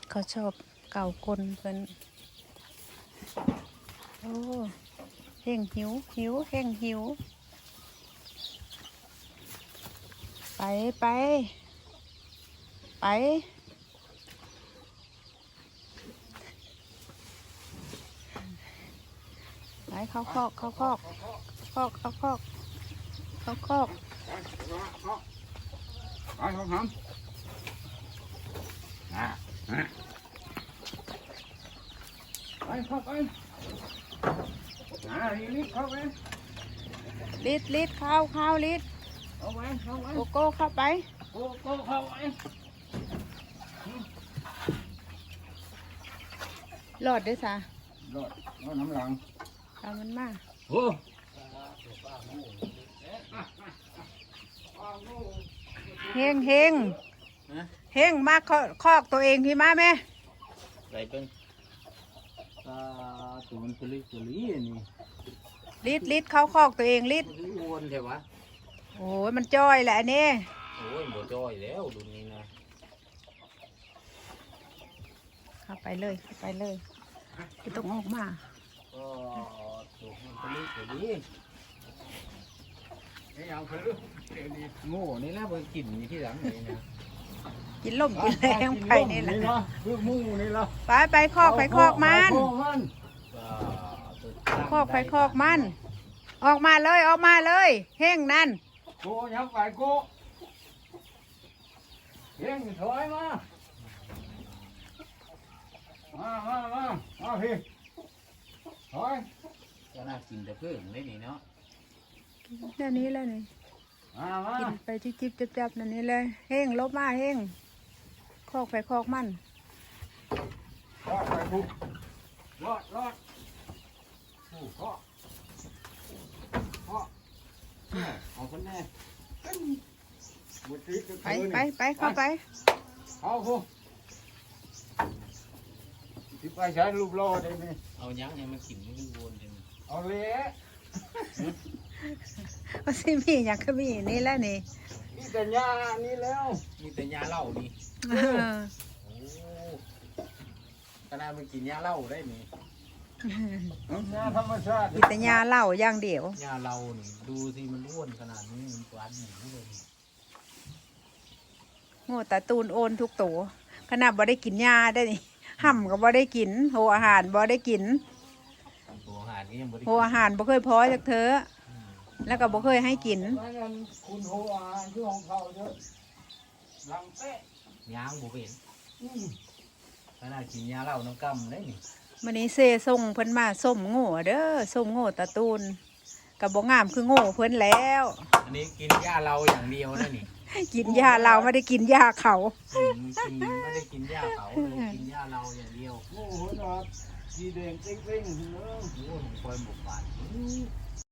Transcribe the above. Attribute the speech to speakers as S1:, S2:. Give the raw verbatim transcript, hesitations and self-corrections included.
S1: เขาชอบเก่าคนเพิ่นโอ้เฮงหิวหิวเฮงหิวไปไปไปไปเข้าคอกเข้าคอกคอกเข้าคอกเข้าคอก
S2: ไปทำทำอ่ะไปเข้าไปอ่าลิดเข้าไป
S1: ลิดลิดเข้าเข้าลิด
S2: เข้าไปเข้าไป
S1: โกโก้เข้าไป
S2: โกโก้เข้าไป
S1: หลอดด้วยซะ
S2: รอดรอดน้ำหลัง
S1: ตามมันมา
S2: โอ้
S1: เฮงเฮงเฮงมาคอกตัวเองพี่มาแม่
S2: ไรเป็นตาตัวมันตุลิตุลินี่
S1: ลิดลิดเข้าคอกตัวเองลิด
S2: วนใช่ปะ
S1: โอ้ยมันจ้อยแหละนี่
S2: โอ้ยบ่จ้อยแล้วดูนี่นะ
S1: เข้าไปเลยเข้าไปเลยไม่ต้องออกมา
S2: ก็ตัวมันตุลิตุลิไอ้ยังคือโง่นี่นะไปกินที่หลังนี่นะ
S1: กินล่มกินแรงไปนี่แหละ
S2: คือมูนี่ละ
S1: ไปไปคอกไปคอกมันคอกไปคอกมันออกมาเลยออกมาเลยเฮงนั่น
S2: โกยังไปโกเฮงถอยมามามามามาพี่ถอยก็น่ากินแต่เพิ่งได้นี่เนาะ
S1: นั่นนี้แล้วนี่กินไปที่จิบจับๆนั่นนี่เลยเฮงลบมาเฮงคอกไปคอกมัน
S2: รอดไปบุรอดรอดโอ้พ่อพ่อเอาคนแน่
S1: ไปไปไปเข้าไป
S2: เอาคุที่ไปใช้รูปรอได้ไหมเอายังยังมากินไม่ดูวนเลยเอาเละ
S1: ว่าสิมีอย่างก็มีนี่แหละนี่
S2: มีแต่ยานี่แล้วมีแต่ยาเหล้านี่โอ้ขนาดมันกินยาเหล้าได้นี่ยาธรรมชาติ
S1: มีแต่ยาเหล้าอย่างเดียวย
S2: าเหล้านี่ดูสิมันอ้วนขนาดนี้มันหวานหมูเลย
S1: โง่ตาตูนโอนทุกตัวขนาดบ่ได้กินยาได้นี่ห่ำก็บ่ได้กินโหอาหารบ่ได้กิน
S2: โหอาหารนี่ยังบ่ได้
S1: โหอาหารบ่เคยพอจากเธอแล้วก็บ่เคยให้กิน
S2: คุณโหอาหารคือของเขาเยอะลังเป๊ะยางบ่เป็นขนาดกินยาเหล้าน้ำกำได้นี่
S1: มื้อนี้เซ่ส่งเพิ่นมาส้มโง่เด้อส้มโง่ตาตูนก็บ่งามคือโง่เพิ่นแล้ว
S2: อันนี้กินยาเราอย่างเดียวนะนี่
S1: กินยาเราไม่ได้กินยาเขา
S2: ไม่ได้กินยาเขาเลยกินยาเราอย่างเดียวโอ้โหนะสีแดงเต้งๆเนอะโอ้โหคอยบุกบาด